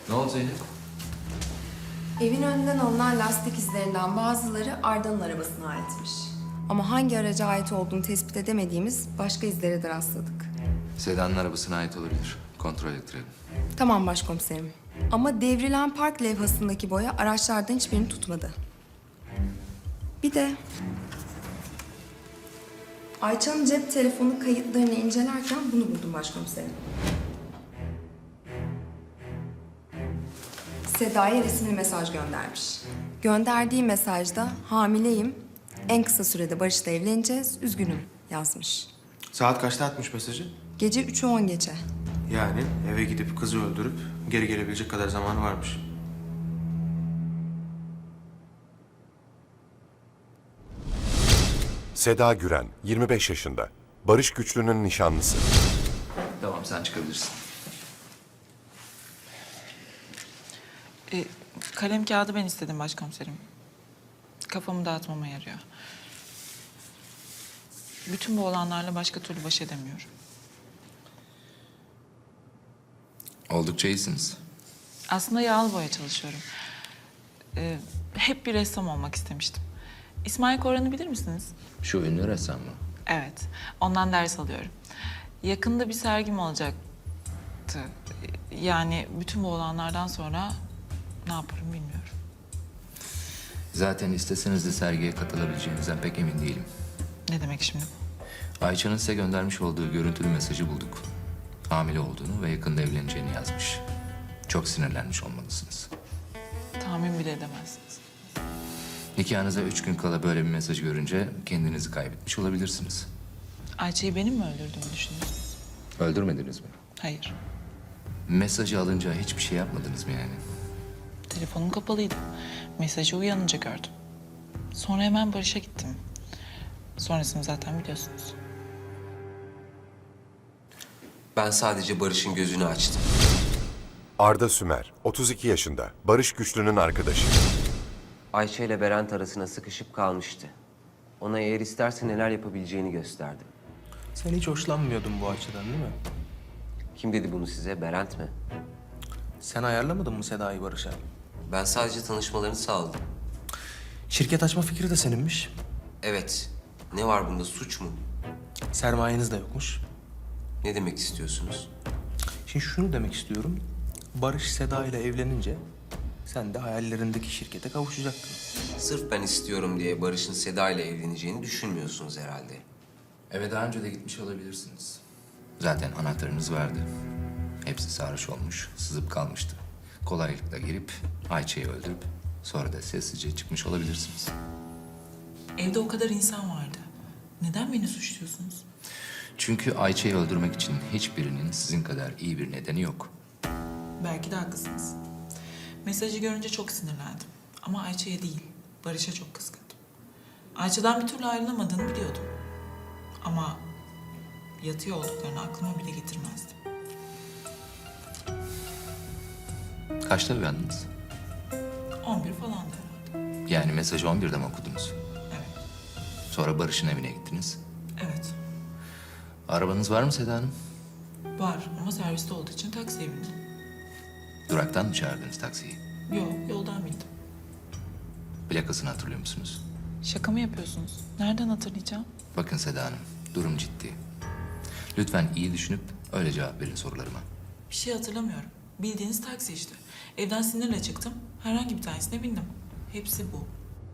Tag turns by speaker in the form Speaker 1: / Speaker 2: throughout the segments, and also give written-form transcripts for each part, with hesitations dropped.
Speaker 1: Ne oldu Zeynep?
Speaker 2: Evin önünden alınan lastik izlerinden bazıları Arda'nın arabasına aitmiş. Ama hangi araca ait olduğunu tespit edemediğimiz başka izlere de rastladık.
Speaker 1: Seda'nın arabasına ait olabilir. Kontrol ettirelim.
Speaker 2: Tamam başkomiserim. Ama devrilen park levhasındaki boya araçlardan hiçbirini tutmadı. Bir de Ayça'nın cep telefonu kayıtlarını incelerken bunu buldum başkomiserim. Seda'ya resimli mesaj göndermiş. Gönderdiği mesajda hamileyim, en kısa sürede Barış'la evleneceğiz, üzgünüm yazmış.
Speaker 3: Saat kaçta atmış mesajı?
Speaker 2: Gece 3'ü 10 geçe.
Speaker 3: Yani eve gidip kızı öldürüp geri gelebilecek kadar zamanı varmış.
Speaker 4: Seda Güren, 25 yaşında. Barış Güçlü'nün nişanlısı.
Speaker 1: Tamam, sen çıkabilirsin.
Speaker 5: Kalem kağıdı ben istedim başkomiserim. Kafamı dağıtmama yarıyor. Bütün bu olanlarla başka türlü baş edemiyorum.
Speaker 1: Oldukça iyisiniz.
Speaker 5: Aslında yağlı boya çalışıyorum. Hep bir ressam olmak istemiştim. İsmail Koran'ı bilir misiniz?
Speaker 1: Şu ünlü ressam mı?
Speaker 5: Evet, ondan ders alıyorum. Yakında bir sergim olacaktı. Yani bütün bu olanlardan sonra ne yaparım bilmiyorum.
Speaker 1: Zaten isteseniz de sergiye katılabileceğinizden pek emin değilim.
Speaker 5: Ne demek şimdi bu?
Speaker 1: Ayça'nın size göndermiş olduğu görüntülü mesajı bulduk. Hamile olduğunu ve yakında evleneceğini yazmış. Çok sinirlenmiş olmalısınız.
Speaker 5: Tahmin bile edemezsiniz.
Speaker 1: Nikahınıza 3 gün kala böyle bir mesaj görünce kendinizi kaybetmiş olabilirsiniz.
Speaker 5: Ayça'yı benim mi öldürdüğümü düşünüyorsunuz?
Speaker 1: Öldürmediniz mi?
Speaker 5: Hayır.
Speaker 1: Mesajı alınca hiçbir şey yapmadınız mı yani?
Speaker 5: Telefonum kapalıydı. Mesajı uyanınca gördüm. Sonra hemen Barış'a gittim. Sonrasını zaten biliyorsunuz.
Speaker 6: Ben sadece Barış'ın gözünü açtım.
Speaker 4: Arda Sümer, 32 yaşında. Barış Güçlü'nün arkadaşı.
Speaker 6: Ayşe ile Berent arasına sıkışıp kalmıştı. Ona eğer isterse neler yapabileceğini gösterdi.
Speaker 3: Sen hiç hoşlanmıyordun bu açıdan değil mi?
Speaker 6: Kim dedi bunu size? Berent mi?
Speaker 3: Sen ayarlamadın mı Seda'yı Barış'a?
Speaker 6: Ben sadece tanışmalarını sağladım.
Speaker 3: Şirket açma fikri de seninmiş.
Speaker 6: Evet. Ne var bunda? Suç mu?
Speaker 3: Sermayeniz de yokmuş.
Speaker 6: Ne demek istiyorsunuz?
Speaker 3: Şimdi şunu demek istiyorum. Barış Seda ile evlenince sen de hayallerindeki şirkete kavuşacaktın.
Speaker 6: Sırf ben istiyorum diye Barış'ın Seda ile evleneceğini düşünmüyorsunuz herhalde.
Speaker 1: Eve daha önce de gitmiş olabilirsiniz. Zaten anahtarınız vardı. Hepsi sarhoş olmuş, sızıp kalmıştı. Kolaylıkla girip Ayça'yı öldürüp sonra da sessizce çıkmış olabilirsiniz.
Speaker 5: Evde o kadar insan vardı. Neden beni suçluyorsunuz?
Speaker 1: Çünkü Ayça'yı öldürmek için hiçbirinin sizin kadar iyi bir nedeni yok.
Speaker 5: Belki de haklısınız. Mesajı görünce çok sinirlendim. Ama Ayça'ya değil, Barış'a çok kızgındım. Ayça'dan bir türlü ayrılamadığını biliyordum. Ama yatıyor olduklarını aklıma bile getirmezdim.
Speaker 1: Kaçta uyandınız?
Speaker 5: 11 falandı herhalde.
Speaker 1: Yani mesajı 11'de mi okudunuz?
Speaker 5: Evet,
Speaker 1: Sonra Barış'ın evine gittiniz.
Speaker 5: evet.
Speaker 1: Arabanız var mı Seda Hanım?
Speaker 5: Var ama serviste olduğu için taksiye bindim.
Speaker 1: Duraktan mı çağırdınız taksiyi?
Speaker 5: Yok, yoldan bindim.
Speaker 1: Plakasını hatırlıyor musunuz?
Speaker 5: Şaka mı yapıyorsunuz? Nereden hatırlayacağım?
Speaker 1: Bakın Seda Hanım, durum ciddi. Lütfen iyi düşünüp öyle cevap verin sorularıma.
Speaker 5: Bir şey hatırlamıyorum. Bildiğiniz taksi işte. Evden sinirle çıktım. Herhangi bir tanesine bindim. Hepsi bu.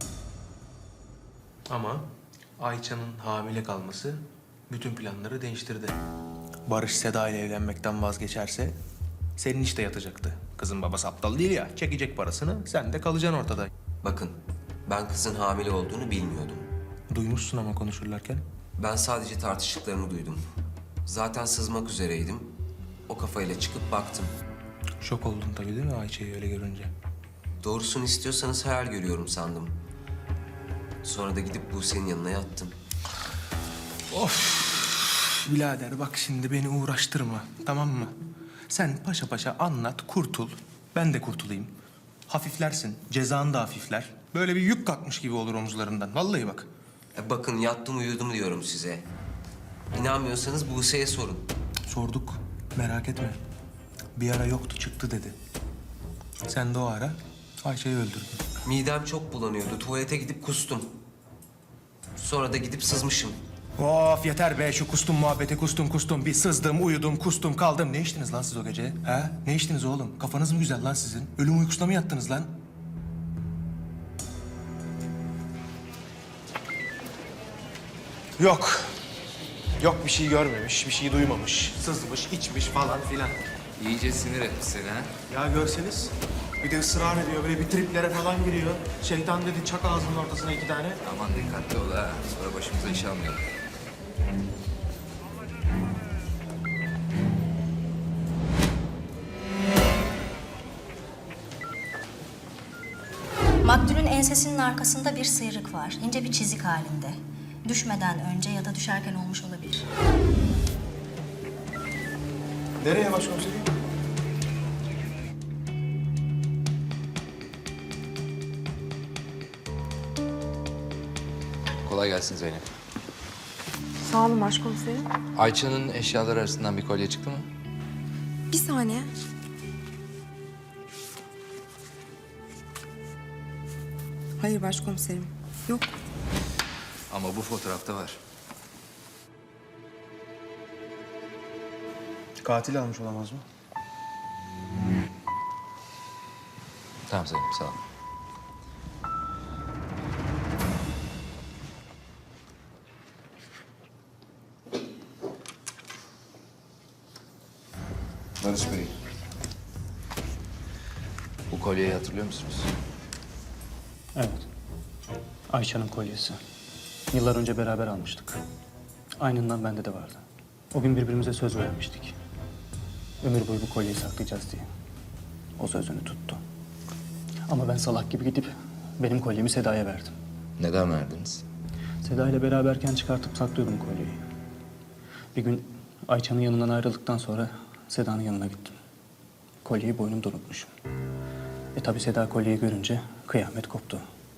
Speaker 3: Ama Ayça'nın hamile kalması bütün planları değiştirdi. Barış Seda ile evlenmekten vazgeçerse senin işte yatacaktı. Kızın babası aptal değil ya. Çekecek parasını, sen de kalacaksın ortada.
Speaker 6: Bakın, ben kızın hamile olduğunu bilmiyordum.
Speaker 3: Duymuşsun ama konuşurlarken.
Speaker 6: Ben sadece tartıştıklarını duydum. Zaten sızmak üzereydim. O kafayla çıkıp baktım.
Speaker 3: Şok oldun tabii değil mi Ayça'yı öyle görünce?
Speaker 6: Doğrusunu istiyorsanız hayal görüyorum sandım. Sonra da gidip Buse'nin yanına yattım.
Speaker 3: Birader bak şimdi beni uğraştırma, tamam mı? Sen paşa paşa anlat, kurtul. Ben de kurtulayım. Hafiflersin, cezan da hafifler. Böyle bir yük kalkmış gibi olur omuzlarından. Vallahi bak.
Speaker 6: Bakın yattım uyudum diyorum size. İnanmıyorsanız Buse'ye sorun.
Speaker 3: Sorduk, merak etme. Bir ara yoktu, çıktı dedi. Sen de o ara Ayça'yı öldürdün.
Speaker 6: Midem çok bulanıyordu. Tuvalete gidip kustum. Sonra da gidip sızmışım.
Speaker 3: Of yeter be şu kustum muhabbeti kustum. Bir sızdım, uyudum, kustum, kaldım. Ne içtiniz lan siz o gece? Ha? Ne içtiniz oğlum? Kafanız mı güzel lan sizin? Ölüm uykusuna mı yattınız lan? Yok. Yok bir şey görmemiş, bir şey duymamış. Sızmış, içmiş falan filan.
Speaker 1: İyice sinir etmiş seni ha.
Speaker 3: Ya görseniz bir de ısrar ediyor, böyle bir triplere falan giriyor. Şeytan dedi çak ağzının ortasına 2 tane.
Speaker 1: Aman dikkatli ol ha. Sonra başımıza iş almayalım.
Speaker 7: Maktulün ensesinin arkasında bir sıyrık var. İnce bir çizik halinde. Düşmeden önce ya da düşerken olmuş olabilir.
Speaker 3: Nereye başkomiserim?
Speaker 1: Kolay gelsin Zeynep.
Speaker 2: Sağ olun başkomiserim.
Speaker 1: Ayça'nın eşyaları arasından bir kolye çıktı mı?
Speaker 2: Bir saniye. Hayır başkomiserim. Yok.
Speaker 1: Ama bu fotoğrafta var.
Speaker 3: Katil almış olamaz mı?
Speaker 1: Tamam Zeynep sağ ol. Barış Bey. Bu kolyeyi hatırlıyor musunuz?
Speaker 8: Evet. Ayça'nın kolyesi. Yıllar önce beraber almıştık. Aynından bende de vardı. O gün birbirimize söz vermiştik. Ömür boyu bu kolyeyi saklayacağız diye. O sözünü tuttu. Ama ben salak gibi gidip benim kolyemi Seda'ya verdim.
Speaker 1: Neden verdiniz?
Speaker 8: Seda ile beraberken çıkartıp saklıyordum kolyeyi. Bir gün Ayça'nın yanından ayrıldıktan sonra Seda'nın yanına gittim. Kolyeyi boynumda unutmuşum. Tabii Seda kolyeyi görünce kıyamet koptu.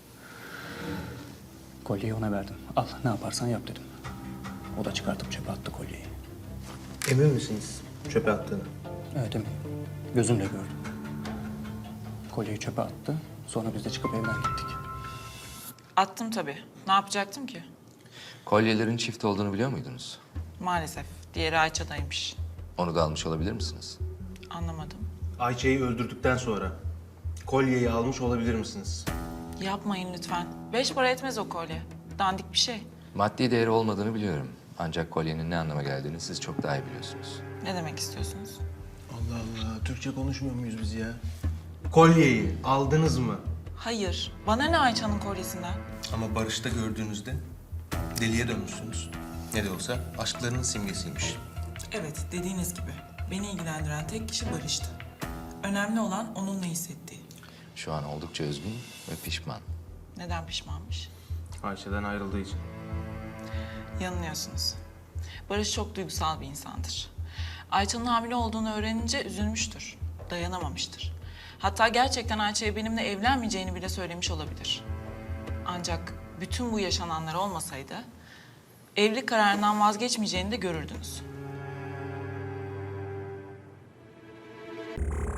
Speaker 8: Kolyeyi ona verdim. Al ne yaparsan yap dedim. O da çıkartıp çöpe attı kolyeyi.
Speaker 3: Emin misiniz çöpe attığını?
Speaker 8: Evet eminim. Gözümle gördüm. Kolyeyi çöpe attı. Sonra biz de çıkıp evden gittik.
Speaker 5: Attım tabii. Ne yapacaktım ki?
Speaker 1: Kolyelerin çift olduğunu biliyor muydunuz?
Speaker 5: Maalesef. Diğeri Ayça'daymış.
Speaker 1: Onu da almış olabilir misiniz?
Speaker 5: Anlamadım.
Speaker 3: Ayça'yı öldürdükten sonra kolyeyi almış olabilir misiniz?
Speaker 5: Yapmayın lütfen. 5 para etmez o kolye. Dandik bir şey.
Speaker 1: Maddi değeri olmadığını biliyorum. Ancak kolyenin ne anlama geldiğini siz çok daha iyi biliyorsunuz.
Speaker 5: Ne demek istiyorsunuz?
Speaker 3: Allah Allah, Türkçe konuşmuyor muyuz biz ya? Kolyeyi aldınız mı?
Speaker 5: Hayır. Bana ne Ayça'nın kolyesinden?
Speaker 3: Ama Barış'ta gördüğünüzde deliye dönmüşsünüz. Ne de olsa aşklarının simgesiymiş.
Speaker 5: Evet, dediğiniz gibi. Beni ilgilendiren tek kişi Barış'tı. Önemli olan onun ne hissettiği.
Speaker 1: Şu an oldukça üzgün ve pişman.
Speaker 5: Neden pişmanmış?
Speaker 3: Ayşe'den ayrıldığı için.
Speaker 5: Yanılıyorsunuz. Barış çok duygusal bir insandır. Ayça'nın hamile olduğunu öğrenince üzülmüştür. Dayanamamıştır. Hatta gerçekten Ayça'ya benimle evlenmeyeceğini bile söylemiş olabilir. Ancak bütün bu yaşananlar olmasaydı evlilik kararından vazgeçmeyeceğini de görürdünüz.